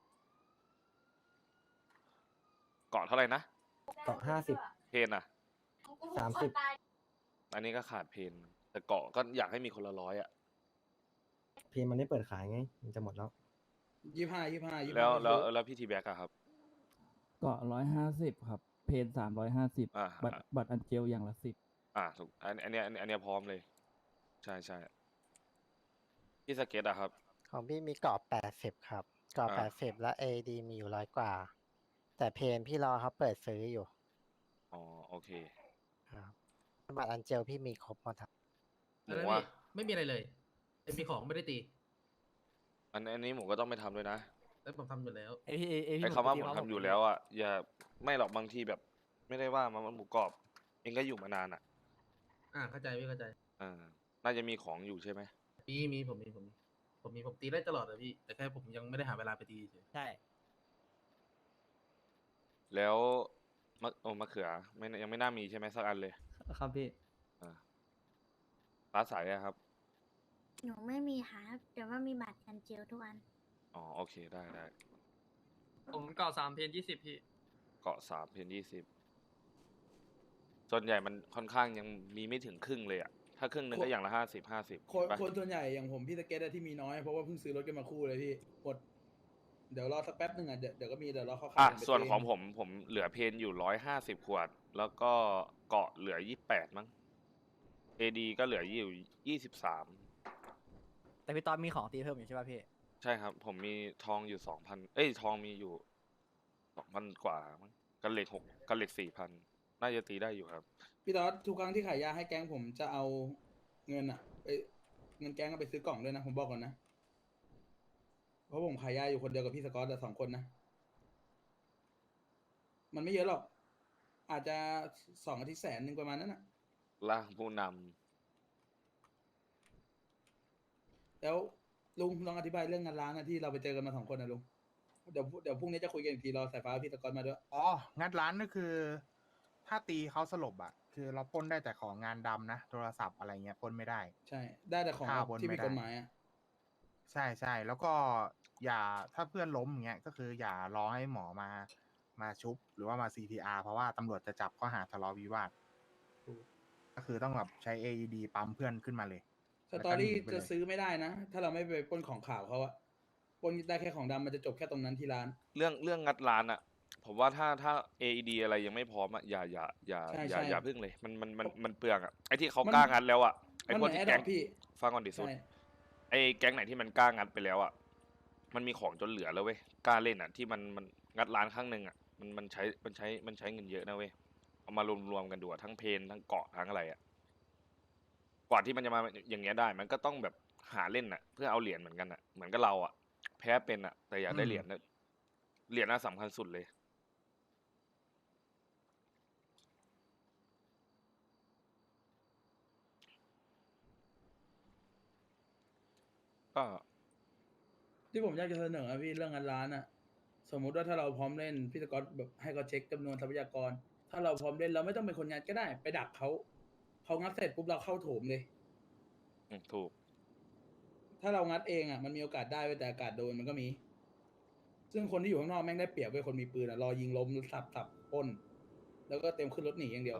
Speaker 3: เกาะเท่าไหร่นะ
Speaker 9: เกาะห้าสิบ
Speaker 3: เพนอะ
Speaker 9: สามสิบ
Speaker 3: อันนี้ก็ขาดเพน แต่เกาะก็อยากให้มีคนละร้อยอะ
Speaker 9: เพนมันไม่เปิดขายไงมันจะหมดแล้ว
Speaker 1: ยี่ห้ายี่ห้ายี่ห้า
Speaker 3: แล้วแล้วแล้วพี่ทีแบ็กอะครับ
Speaker 12: เกาะร้อยห้าสิบครับ เพนสามร้อยห้าสิบ
Speaker 3: อ่า
Speaker 12: บัตรบัตรอันเจลอย่างละสิบ
Speaker 3: อ่าถูกอันอันเนี้ยอันเนี้ยอันเนี้ยพร้อมเลย ใช่ใช่พี่สเก็ตอะครับ
Speaker 9: ของพี่มีเกาะแปดสิบครับเกาะ
Speaker 3: อ่า
Speaker 9: แปดสิบและเอดีมีอยู่ร้อยกว่า แต่เพนพี่รอเขาเปิดซื้ออยู่
Speaker 3: อ๋อโอเค
Speaker 9: ครับบัตรอันเจลพี่มีครบหมดครับ
Speaker 3: ห
Speaker 7: อะไร
Speaker 3: มูว่า
Speaker 7: พี่ไม่มีอะไรเลยแต่มีของไม่ได้ตี
Speaker 3: อันอันนี้หมูก็ต้องไปทำด้วยนะ
Speaker 7: แล้วผมทำอยู่แล้ว
Speaker 9: ไอพี่ไอ
Speaker 3: ไอ้คำว่าผมทำอยู่แล้วอ่ะอย่าไม่หรอกบางทีแบบ ไม่ได้ว่ามันหมูกรอบ เองก็อยู่มานานอ่ะ
Speaker 7: อ่าเข้าใจพี่เข้าใจ
Speaker 3: อ่าน่าจะมีของอยู่ใช่ไหม
Speaker 7: มีมีผมมีผมมีผมมีผมตีได้ตลอดเลยพี่ แต่แค่ผมยังไม่ได้หาเวลาไปตีเฉย
Speaker 9: ใช่
Speaker 3: แล้วมะโอ้มะเขือไม่ยังไม่น่ามีใช่ไหมสักอันเลย
Speaker 9: ครับพี่
Speaker 3: อ่าฟ้าใสอะครับ
Speaker 13: หนูไม่มีครับแต่ว่ามีบัตรกันเจลทุกอัน
Speaker 3: อ๋อโอเคได้ได้
Speaker 4: ผมเกาะสามเพนยี่สิบพี่
Speaker 3: เกาะสามเพนยี่สิบส่วนใหญ่มันค่อนข้างยังมีไม่ถึงครึ่งเลยอ่ะ ถ้าครึ่งหนึงก็อย่างละห้าสิบห้าสิบ
Speaker 1: คนคนส่วนใหญ่อย่างผมพี่สเก็ตอะที่มีน้อยเพราะว่าเพิ่งซื้อรถกันมาคู่เลยพี่หมดเดี๋ยวรอสักแป๊บหนึ่งอะเดี๋ยวเดี๋ยวก็มีเดี๋ยวรอเขา
Speaker 3: อ่ะ
Speaker 1: ขายไป
Speaker 3: ส่วน
Speaker 1: เ
Speaker 3: ของผมผมเหลือเพนอยู่ร้อยห้าสิบขวด แล้วก็เกาะเหลือยี่แปดมั้งเอดีก็เหลืออยู่ยี่สิบสาม
Speaker 9: แต่พี่ตอนมีของตีเพิ่มอยู่ใช่ป่ะพี่
Speaker 3: ใช่ครับ ผมมีทองอยู่สองพันเอ้ยทองมีอยู่สองพันกว่ามั้งกันเหล็กหกกันเหล็กสี่พันน่าจะตีได้อยู่ครับ
Speaker 1: พี่ตอดทุกครั้งที่ขายยาให้แก๊งผมจะเอาเงินอะไปเงินแก๊งเอาไปซื้อกล่องด้วยนะผมบอกก่อนนะเพราะผมขายยาอยู่คนเดียวกับพี่สกอตแต่สองคนนะมันไม่เยอะหรอก อาจจะสองอาทิตย์แสนหนึ่งประมาณนั้นนะ
Speaker 3: ล่างผู้น
Speaker 1: แล้วลุงลองอธิบายเรื่องงานร้านนะที่เราไปเจอกันมาสองคนนะลุงเดี๋ยวเดี๋ยวพรุ่งนี้จะคุยกันอีกทีรอสายฟ้าพี่สกอตมาด้วย
Speaker 5: อ๋องัดร้านก็คือถ้าตีเขาสลบอ่ะ คือเราปล้นได้แต่ของงานดำนะโทรศัพท์อะไรเงี้ยปล้นไม่ได้
Speaker 1: ใช่ ได้แต่ของ
Speaker 5: ข้าวบน
Speaker 1: ที่
Speaker 5: ไม่
Speaker 1: ผิด
Speaker 5: ได้
Speaker 1: กฎหมายอ่ะ
Speaker 5: ใช่ใช่แล้วก็อย่าถ้าเพื่อนล้มอย่างเงี้ยก็คืออย่ารอให้หมอมามาชุบหรือว่ามา ซี พี อาร์ เพราะว่าตำรวจจะจับข้อหาทะเลาะวิวาทก็คือต้องแบบใช้ เอ อี ดี ปั๊มเพื่อนขึ้นมาเลย
Speaker 1: ส
Speaker 5: แล้ว
Speaker 1: ตอ
Speaker 5: ก็หนี
Speaker 1: รี่
Speaker 5: ไป
Speaker 1: จะ
Speaker 5: เลย
Speaker 1: ซื้อไม่ได้นะ ถ้าเราไม่ไปปล้นของข่าวเขาอะปล้นได้แค่ของดำมันจะจบแค่ตรงนั้นที่ร้าน
Speaker 3: เรื่องเรื่องงัดร้านอะผมว่าถ้าถ้า เอ อี ดี อะไรยังไม่พร้อมอะอย่าอย่าอย่า
Speaker 1: ใช่
Speaker 3: อย่า
Speaker 1: ใช่
Speaker 3: อย่าพึ่งเลยมันมันมันมันเปลืองอะไอที่เขา
Speaker 1: มัน
Speaker 3: กล้างัดแล้วอะไอ
Speaker 1: มัน
Speaker 3: พวก
Speaker 1: เหมือน
Speaker 3: ที่
Speaker 1: แอดด
Speaker 3: แก๊
Speaker 1: อง ปพี่
Speaker 3: ฟังก่อนดิสุด
Speaker 1: ใช่
Speaker 3: ไอแก๊งไหนที่มันกล้างัดไปแล้วอะมันมีของจนเหลือแล้วเว้ยกล้าเล่นอะที่มันมันงัดร้านครั้งหนึ่งอะมันมันใช้มันใช้มันใช้เงินเยอะนะเว้ยเอามารวมรวมกันดูอะทั้งเพนทั้งเกาะทั้งอะไรอะกว่าที่มันจะมาอย่างเงี้ยได้ มันก็ต้องแบบหาเล่นอะเพื่อเอาเหรียญเหมือนกันอะเหมือนกับเราอะแพ้เป็นอะแต่อยากได้
Speaker 5: อืม
Speaker 3: เหรียญนะเหรียญน่าสำคัญสุดเลย ก็
Speaker 1: ที่ผมอยากจะเสนออะพี่เรื่องงานร้านอะสมมุติว่าถ้าเราพร้อมเล่นพี่สกอตแบบให้เขาเช็คจำนวนทรัพยากร ถ้าเราพร้อมเล่นเราไม่ต้องเป็นคนงัดก็ได้ ไปดักเขาเขางัดเสร็จปุ๊บเราเข้าโถมเลย
Speaker 3: อืมถูก
Speaker 1: ถ้าเรางัดเองอะมันมีโอกาสได้เว้ยแต่อากาศโดนมันก็มี ซึ่งคนที่อยู่ข้างนอกแม่งได้เปรียบเว้ยคนมีปืนอะรอยิงล้มสับสับปล้น แล้วก็เต็มขึ้นรถหนีอย่างเดียว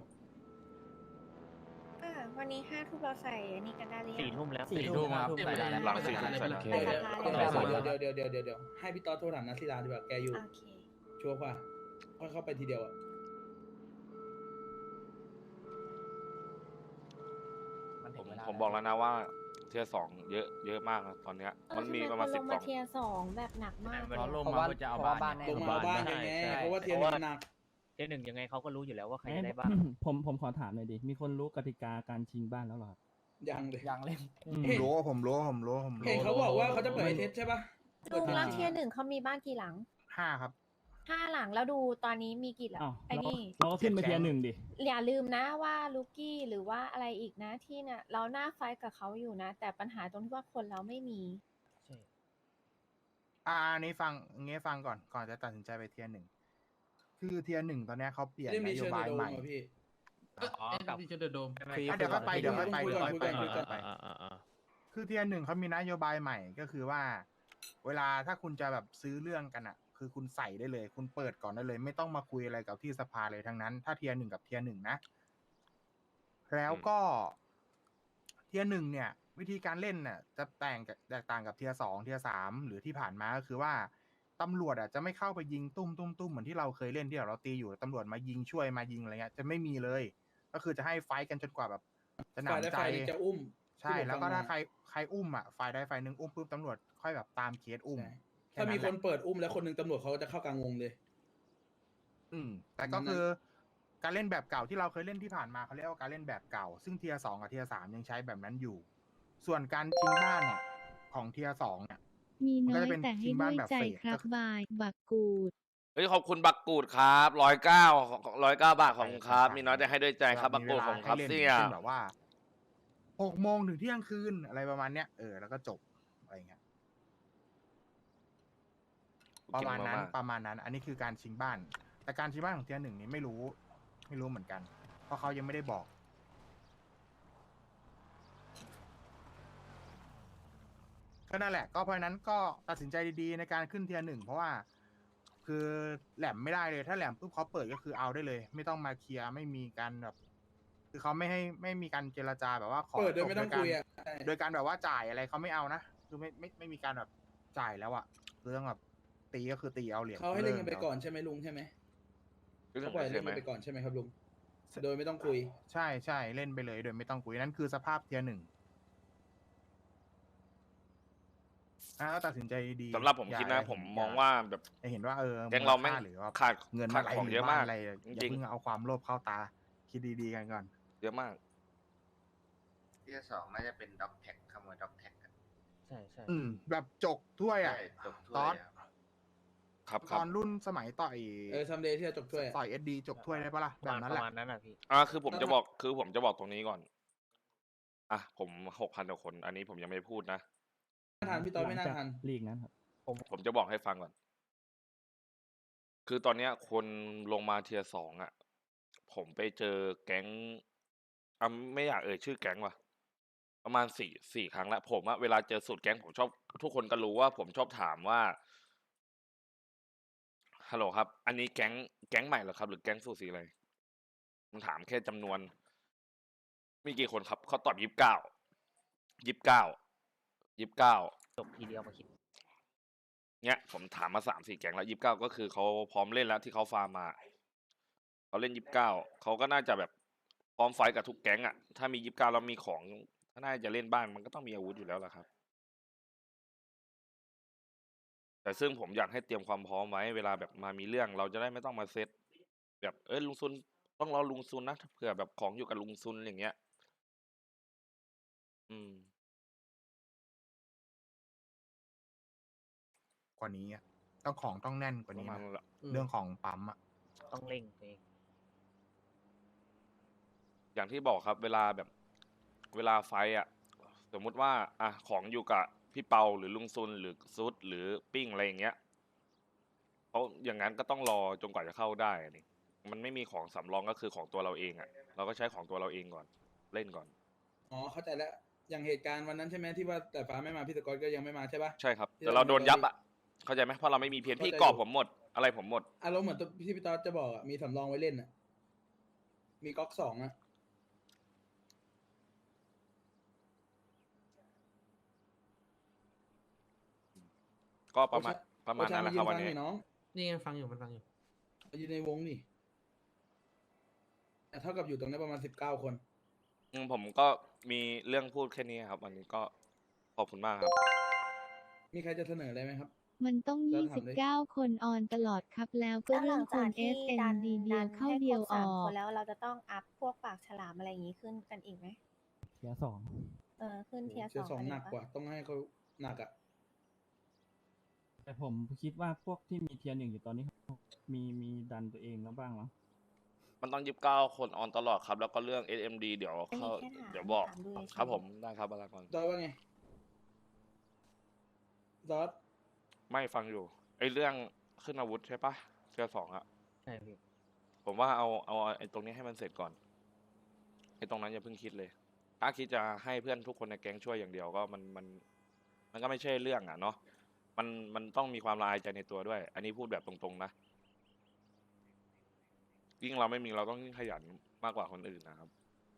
Speaker 13: อ่าวันนี้ห้าทุ่มเราใส่อันนี้กันได้หรือยัง
Speaker 6: สี่ทุ่มแล้ว
Speaker 9: สี่ทุ่มครับ
Speaker 7: ไม่ได้
Speaker 3: หลังสี่ทุ่ม
Speaker 7: ไม่
Speaker 3: ใส่
Speaker 7: ได้
Speaker 3: แล้ว
Speaker 13: ไปสภาเลย
Speaker 1: เดี๋ยว
Speaker 13: เหรอ
Speaker 1: เดี๋ยวเดี๋ยวเดี๋ยวเดี๋ยวเดี๋ยวให้พี่ต๊อดโทรถามนัทศิลาดีกว่าแกอยู่
Speaker 13: โอเค
Speaker 1: ชัวร์ป่ะค่อยเข้าไปทีเดียวอะ
Speaker 2: มัน
Speaker 3: ผ
Speaker 2: ถึ
Speaker 3: ม
Speaker 2: งเวลา
Speaker 3: ผมบอกแล้วนะว่าเทียร์สองเยอะเยอะมากนะตอนเนี้ย
Speaker 13: เออ
Speaker 3: มันมี
Speaker 13: ทำไ
Speaker 3: ประมาณ
Speaker 13: คน
Speaker 3: สิ
Speaker 13: ล
Speaker 3: บ
Speaker 13: ง
Speaker 3: กล่
Speaker 13: มา
Speaker 3: อง
Speaker 13: เทียร์สองแบบหนักมาก
Speaker 8: เพราะลง
Speaker 2: เพราะ
Speaker 8: มา
Speaker 2: ว่า
Speaker 8: เพื่อจะเอา
Speaker 2: เพราะว่า
Speaker 8: บ้าน
Speaker 2: บ้าน
Speaker 8: เนี่ย
Speaker 1: ลงมาเอาบ้านกันไง
Speaker 2: ใช่
Speaker 1: เพราะว่าเทียนมันหนัก
Speaker 6: เทียร์หนึ่งยังไงเขาก็รู้อยู่แล้วว่าใคร
Speaker 12: เอ้ย
Speaker 6: จะได้บ้าง
Speaker 12: ผมผมขอถามหน่อยดิ มีคนรู้กติกาการชิงบ้านแล้วเหรอครับ
Speaker 1: ยังเลย
Speaker 2: ยังเล่น
Speaker 12: อื
Speaker 5: ผมรู้ผมรู้ผมรู้ผม
Speaker 1: เห็น
Speaker 5: รู้
Speaker 1: เขาบอกว่าเขาจะเปิดไอเทสใช่ป่ะ
Speaker 13: ลุงแล้วเทียร์หนึ่งเขามีบ้านกี่หลัง
Speaker 5: ห้าครับ
Speaker 13: ห้าหลังแล้วดูตอนนี้มีกี่หลัง
Speaker 12: อ้าว
Speaker 13: ไอ้
Speaker 12: เราก็
Speaker 13: นี่
Speaker 12: เราก็ขึ้นไปเทียร์หนึ่งดิ
Speaker 13: อย่าลืมนะว่าลูกี้หรือว่าอะไรอีกนะที่เนี่ยเราหน้าไฟท์กับเขาอยู่นะ แต่ปัญหาตรงที่ว่าคนเราไม่มี
Speaker 5: อ่าอันนี้ฟังงี้ฟังก่อนก่อนจะตัดสินใจไปเทียร์หนึ่งคือเทียร์หนึ่งตอนเนี้ยเขาเปลี่ยน
Speaker 1: เรื่อง
Speaker 5: น
Speaker 1: มี
Speaker 5: โย
Speaker 1: เชิญ
Speaker 5: บาย
Speaker 1: โด
Speaker 5: ให
Speaker 1: ม
Speaker 5: ม่
Speaker 1: อ่ะพี่
Speaker 6: อ๋อ
Speaker 7: เอ็
Speaker 6: กับ
Speaker 7: นบีเชเดอร์โดม
Speaker 5: อ่ะเดี๋ยวค่อยไปเดี๋ยวค่อยไป
Speaker 1: คุย
Speaker 5: เดี๋ยว
Speaker 1: ก่อน
Speaker 5: ค่อย
Speaker 1: คุย
Speaker 5: ไป
Speaker 1: ก่อนคุยก่อน
Speaker 5: คือเทียร์หนึ่งเขามีนโยบายใหม่ก็คือว่า เวลาถ้าคุณจะแบบซื้อเรื่องกันอ่ะ คือคุณใส่ได้เลย คุณเปิดก่อนได้เลย ไม่ต้องมาคุยอะไรกับที่สภาเลยทั้งนั้น ถ้าเทียร์หนึ่งกับเทียร์หนึ่งนะ แล้วก็เทียร์หนึ่งเนี่ย วิธีการเล่นน่ะจะแต่งกับแตกต่างกับเทียร์สองเทียร์สามหรือที่ผ่านมาก็คือว่าตำรวจอ่ะจะไม่เข้าไปยิงตุ้มตุ้มตุ้มเหมือนที่เราเคยเล่นที่เราตีอยู่ตำรวจมายิงช่วยมายิงอะไรเงี้ยจะไม่มีเลย ก็คือจะให้ไฟท์กันจนกว่าแบบจะห
Speaker 1: ฝ่าย
Speaker 5: นำ
Speaker 1: ได้
Speaker 5: ใจ
Speaker 1: ฝ่ายหนึ่งจะอุ้ม
Speaker 5: ใช่
Speaker 1: ที่ผม
Speaker 5: แล้วก็
Speaker 1: ฟัง
Speaker 5: ถ้า
Speaker 1: มา
Speaker 5: ใครใครอุ้มอ่ะฝ่ายใดฝ่ายหนึ่งอุ้มปุ๊บตำรวจค่อยแบบตามเคสอุ้ม
Speaker 1: ใช่
Speaker 5: แ
Speaker 1: ถ้ามี
Speaker 5: แห
Speaker 1: ค
Speaker 5: ละ
Speaker 1: นเปิดอุ้มแล้วคนหนึ่งตำรวจเขาจะเข้ากลางวงเลย
Speaker 5: อืมแต่ก็คือการเล่นแบบเก่าที่เราเคยเล่นที่ผ่านมาเขาเรียกว่าการเล่นแบบเก่า ซึ่งเทียร์สองกับเทียร์สามยังใช้แบบนั้นอยู่ ส่วนการชิงบ้านเนี่ยของเทียร์สองเนี่ย
Speaker 10: มี
Speaker 5: มัน
Speaker 10: น้
Speaker 5: ก็
Speaker 10: อย
Speaker 5: จะเป็น
Speaker 10: แต่
Speaker 5: ชิ
Speaker 10: ให้
Speaker 5: ง
Speaker 10: ด้
Speaker 5: บ้าน
Speaker 10: วย
Speaker 5: แบบ
Speaker 10: ใจ
Speaker 5: เฟส
Speaker 10: ครั
Speaker 5: ก็
Speaker 10: บ
Speaker 5: คือ
Speaker 10: บาย บักกูด
Speaker 3: เฮ้ยขอบคุณบักกูดครับร้อยเก้าร้อยเก้าบาทของครับ มีน้อยแต่ให้ด้วยใจครับบักกูดของครับ
Speaker 5: มีวลาให้
Speaker 3: เสี่
Speaker 5: ล่น
Speaker 3: ย
Speaker 5: เช่นแบบว่าหกโมงถึงเที่ยงคืนอะไรประมาณเนี้ยเออแล้วก็จบอะไรเงี้ยประมาณนั้นประมาณนั้น อันนี้คือการชิงบ้าน แต่การชิงบ้านของเทียร์หนึ่งนี้ไม่รู้ ไม่รู้เหมือนกัน เพราะเขายังไม่ได้บอก ก็นั่นแหละ ก็เพราะฉะนั้นก็ตัดสินใจดีๆในการขึ้นเทียร์หนึ่งเพราะว่า คือแหลมไม่ได้เลย ถ้าแหลมปุ๊บเขาเปิดก็คือเอาได้เลย ไม่ต้องมาเคลียร์ไม่มีการแบบ คือเขาไม่ให้ไม่มีการเจรจาแบบว่าขอ
Speaker 1: เปิดโดยไม่ต้อง
Speaker 5: จบ
Speaker 1: คุยอ่ะ
Speaker 5: การโดยการแบบว่าจ่ายอะไรเขาไม่เอานะคือไม่ไม่ไม่มีการแบบจ่ายแล้วอะคือต้องแบบตีก็คือตีเอาเหรียญ
Speaker 1: เขาให้เล่นกันไป
Speaker 5: ลิ
Speaker 1: ก่อนใช่ไหมลุงใช่ไหม
Speaker 3: รู้สึ
Speaker 1: เขา
Speaker 3: ก
Speaker 1: ปล่อย
Speaker 3: ใช่
Speaker 1: เล่น
Speaker 3: ไหม
Speaker 1: กันไปก่อนใช่ไหมครับลุง โดยไม่ต้องคุย
Speaker 5: ใช่ใช่เล่นไปเลยโดยไม่ต้องคุยนั่นคือสภาพเทียร์หนึ่งอ่ะก็ตัดสินใจดีๆ
Speaker 3: สำหรับผม
Speaker 5: อย่า
Speaker 3: คิดนะ
Speaker 5: อย่า
Speaker 3: ผม
Speaker 5: เห็
Speaker 3: มองว่าแบบ
Speaker 5: อย่าเห็นว่าเออ
Speaker 3: แก๊งเราแม่ง
Speaker 5: หรือว่า
Speaker 3: ขาด
Speaker 5: เงิน
Speaker 3: ขาด
Speaker 5: อะไร
Speaker 3: ของ
Speaker 5: หรื
Speaker 3: เยอะ
Speaker 5: บ้น
Speaker 3: มาก
Speaker 5: อะไรอ
Speaker 3: จริ
Speaker 5: ย่าง เพิ่งเอาความโลภเข้าตา คิดดีๆกันก่อน
Speaker 3: เยอะมาก
Speaker 11: เทียร์สองน่าจะเป็นด็อกแท็กขโมยด็อกแท็กกัน
Speaker 6: ใช่ใช่
Speaker 5: อืมแบบจกถ้วยอ่ะ
Speaker 11: ใช่จบถ้
Speaker 5: ต
Speaker 11: ว
Speaker 5: อย น
Speaker 11: อะ
Speaker 3: ครับค
Speaker 5: ต
Speaker 3: รับ
Speaker 5: อนรุ่นสมัยต่อย
Speaker 1: เออซัมเดย์ที่จะจบถ้วยอะ
Speaker 5: ต่อยเอสดีจกถ้วยได้ปะล่ะ
Speaker 6: ป
Speaker 5: แบ
Speaker 6: ระ
Speaker 5: บ
Speaker 6: มาณ
Speaker 5: นั้น
Speaker 6: ป
Speaker 5: แห
Speaker 6: ระ
Speaker 5: ละ
Speaker 6: มาณนั้นอ่ะพี่
Speaker 3: อ่าคือผมจะบอกคือผมจะบอกตรงนี้ก่อน อ่ะผมหกพันกว่าคน อันนี้ผมยังไม่พูดนะ
Speaker 1: น่าทันพี่ต๊อดไม่น่า
Speaker 12: หลังจาก
Speaker 1: ทัน
Speaker 12: ลีกนั้นครับ
Speaker 3: ผมผมจะบอกให้ฟังก่อน คือตอนเนี้ยคนลงมาเทียร์สองอ่ะ พผมไปเจอแก๊งอ่ะไม่อยากเอ่ยชื่อแก๊งว่ะประมาณสี่สี่ครั้งแล้วผมอะเวลาเจอสูตรแก๊งผมชอบทุกคนก็รู้ว่าผมชอบถามว่าฮัลโหลครับ อันนี้แก๊งแก๊งใหม่เหรอครับ หรือแก๊งสูตรสีอะไรผมถามแค่จำนวนมีกี่คนครับเขาตอบยี่สิบเก้ายี่สิบเก้ายี่สิบเก้า
Speaker 6: จบทีเดียวมาคิด
Speaker 3: เนี้ยผมถามมาสามสี่แก๊งแล้วยี่สิบเก้าก็คือเขาพร้อมเล่นแล้วที่เขาฟาร์มมาเขาเล่นยี่สิบเก้าเขาก็น่าจะแบบพร้อมไฟท์กับทุกแก๊งอ่ะถ้ามียี่สิบเก้าแล้วมีของถ้าน่าจะเล่นบ้านมันก็ต้องมีอาวุธอยู่แล้วล่ะครับแต่ซึ่งผมอยากให้เตรียมความพร้อมไว้เวลาแบบมามีเรื่องเราจะได้ไม่ต้องมาเซตแบบเอ้ยลุงซุนต้องรอลุงซุนนะเผื่อแบบของอยู่กับลุงซุนอย่างเงี้ยอืม
Speaker 5: กว่านี้อะต้องของต้องแน่นกว่า
Speaker 3: ประ
Speaker 5: นี้
Speaker 3: มาณ
Speaker 5: นะ
Speaker 3: นั้นแหละ
Speaker 5: เรื่องของปั๊มอะ
Speaker 6: ต้องเร่งตัวเอง
Speaker 3: อย่างที่บอกครับ เวลาแบบเวลาไฟท์อ่ะ สมมุติว่าอ่ะของอยู่กับพี่เปาหรือลุงซุนหรือซุดหรือปิ้งอะไรอย่างเงี้ยเขาอย่างนั้นก็ต้องรอจนกว่าจะเข้าได้นี่มันไม่มีของสำรองก็คือของตัวเราเองอ่ะ เราก็ใช้ของตัวเราเองก่อนเล่นก่อน
Speaker 1: อ๋อเข้าใจแล้วอย่างเหตุการณ์วันนั้นใช่ไหมที่ว่าแต่ฟ้าไม่มาพี่สกอตก็ยังไม่มาใช่ปะ
Speaker 3: ใช่ครับ
Speaker 1: ที่
Speaker 3: แต่เราโดนยับ
Speaker 1: เรา
Speaker 3: อ่ะเข้าใจไหมเพราะเราไม่มีเพียนพี่
Speaker 1: เข้าใจ
Speaker 3: กรอบ
Speaker 1: อยู่
Speaker 3: ผมหมด อะไรผมหมด
Speaker 1: อารมณ์เหมือนตัวที่พี่ต๊อดจะบอกอ่ะมีสำรองไว้เล่นอ่ะมีก๊อกสองอ่ะ
Speaker 3: ก็ประมาณประมาณนั้นแหละครับ
Speaker 1: โอ
Speaker 3: วัน
Speaker 1: ชา
Speaker 3: นี้
Speaker 1: มายืนฟังหน่อยน้อง
Speaker 7: นี่ไงฟังอยู่มันฟังอยู่
Speaker 1: อยู่ในวงนี่แต่เท่ากับอยู่ตรงนี้ประมาณสิบเก้าคน
Speaker 3: อืมผมก็มีเรื่องพูดแค่นี้ครับ วันนี้ก็ขอบคุณมากครับ
Speaker 1: มีใครจะเสนออะไรไหมครับ
Speaker 10: มันต้อง
Speaker 1: แล้ว
Speaker 10: ยี่
Speaker 1: ถาม
Speaker 10: สิบ
Speaker 1: เลย
Speaker 10: เก้าคนออนตลอดครับ แล้วก็
Speaker 13: แล้วห
Speaker 10: เรื่
Speaker 13: ลั
Speaker 10: อง
Speaker 13: ง
Speaker 10: ค
Speaker 13: จาก
Speaker 10: น
Speaker 13: ที่
Speaker 10: เอส เอ็น
Speaker 13: ดัน
Speaker 10: ดี เดี
Speaker 13: ดั
Speaker 10: ยวน เข้า
Speaker 13: ให้
Speaker 10: เดี
Speaker 13: ค
Speaker 10: ย
Speaker 13: ร
Speaker 10: ว
Speaker 13: บ
Speaker 10: อ
Speaker 13: สาม
Speaker 10: อ
Speaker 13: ค
Speaker 10: ก
Speaker 13: นแล้วเราจะต้องอัพพวกปากฉลามอะไรอย่างนี้ขึ้นกันอีกไหม
Speaker 12: เทียร์สอง
Speaker 13: เออขึ้นเทียร์
Speaker 1: เทียร์
Speaker 13: ส
Speaker 1: ส
Speaker 13: อ
Speaker 1: อง ง
Speaker 13: กัน
Speaker 1: หนั
Speaker 13: อี
Speaker 1: ก
Speaker 13: ก
Speaker 1: กว่า
Speaker 13: ปะ
Speaker 1: ต้องให้เขาหนักอ่ะ
Speaker 12: แต่ผมคิดว่าพวกที่มีเทียร์หนึ่งอยู่ตอนนี้ มีมีดันตัวเองแล้วบ้างมั้ง
Speaker 3: มันต้องยี่สิบเก้าคนออนตลอดครับ แล้วก็เรื่อง เอส เอ็ม ดี เดี๋ยว
Speaker 13: อันนี้
Speaker 3: เขา
Speaker 13: แค่ถาม
Speaker 3: เดี๋ยวบอก
Speaker 13: ถามดูเฉยๆ
Speaker 3: ครับผมได้ครับบารากร
Speaker 1: ต๊อดว่าไงต๊อด
Speaker 3: ไม่ฟังอยู่ไอ้เรื่องขึ้นอาวุธใช่ปะเทือสองอะ
Speaker 6: ใช่พี่
Speaker 3: ผมว่าเอาเอาไอ้ตรงนี้ให้มันเสร็จก่อนไอ้ตรงนั้นอย่าเพิ่งคิดเลย ถ้าคิดจะให้เพื่อนทุกคนในแก๊งช่วยอย่างเดียวก็มันมัน มันก็ไม่ใช่เรื่องอ่ะเนาะมันมันต้องมีความละอายใจในตัวด้วย อันนี้พูดแบบตรงๆนะยิ่งเราไม่มีเราต้องยิ่งขยันมากกว่าคนอื่นนะครับ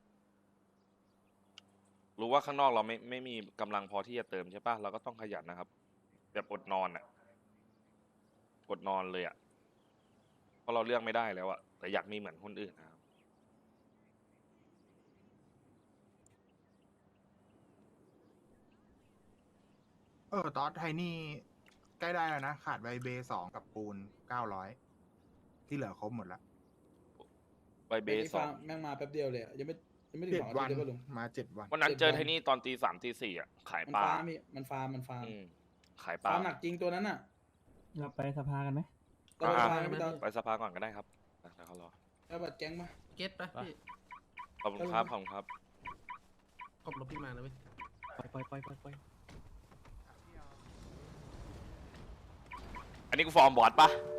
Speaker 3: รู้ว่าข้างนอกเราไม่ไม่มีกำลังพอที่จะเติมใช่ปะเราก็ต้องขยันนะครับแบบอดนอนอ่ะอดนอนเลยอ่ะเพราะเราเลือกไม่ได้แล้วอ่ะแต่อยากมีเหมือนคนอื่นนะครับ
Speaker 5: เออตอสไทนี่ใกล้ได้แล้วนะ ขาดไวเบสองกับปูนเก้าร้อยที่เหลือครบหมดแล้ว
Speaker 3: ใบเบ
Speaker 1: ไอ้
Speaker 3: ส
Speaker 1: นี่
Speaker 3: ส
Speaker 1: ฟั
Speaker 3: อง ง
Speaker 1: แม่งมาแป๊บเดียวเลยอะยังไม่ยังไม่ถึง
Speaker 5: เจ็
Speaker 1: ส
Speaker 5: ด
Speaker 1: องอา
Speaker 5: วั
Speaker 1: ทิต
Speaker 5: น
Speaker 1: ย์เลยป่ะลุง
Speaker 5: มาเจ็ดวัน
Speaker 3: วันนั้น
Speaker 1: เจ็ด
Speaker 3: เจอ
Speaker 1: วัน
Speaker 3: ไทนี่ตอนตีสามตีสี่อ่ะขาย
Speaker 1: มัน
Speaker 3: ปลา
Speaker 1: ฟาร์มพี่มันฟาร์มมันฟาร์ม
Speaker 3: อืมขายปลา
Speaker 1: ฟาร์มหนักจริงตัวนั้นน่ะ
Speaker 12: เราไปสภากันไหม
Speaker 1: เราไป
Speaker 3: อ่ะ
Speaker 1: ฟาร์มกันพี่ต๊อด
Speaker 3: ไปสภาก่อนก็ได้ครับเดี๋ยวเขารอ
Speaker 1: เอาบัตรแก๊งมา
Speaker 7: เก็ตปะพี่
Speaker 3: ขอบคุณครับขอบคุณครับ
Speaker 7: ขอบรถพี่มานะเว้ย
Speaker 6: ปล่อยปล่อยปล่อยปล่อยปล่อย
Speaker 3: อันนี้กูฟอร์มบอร์ดปะ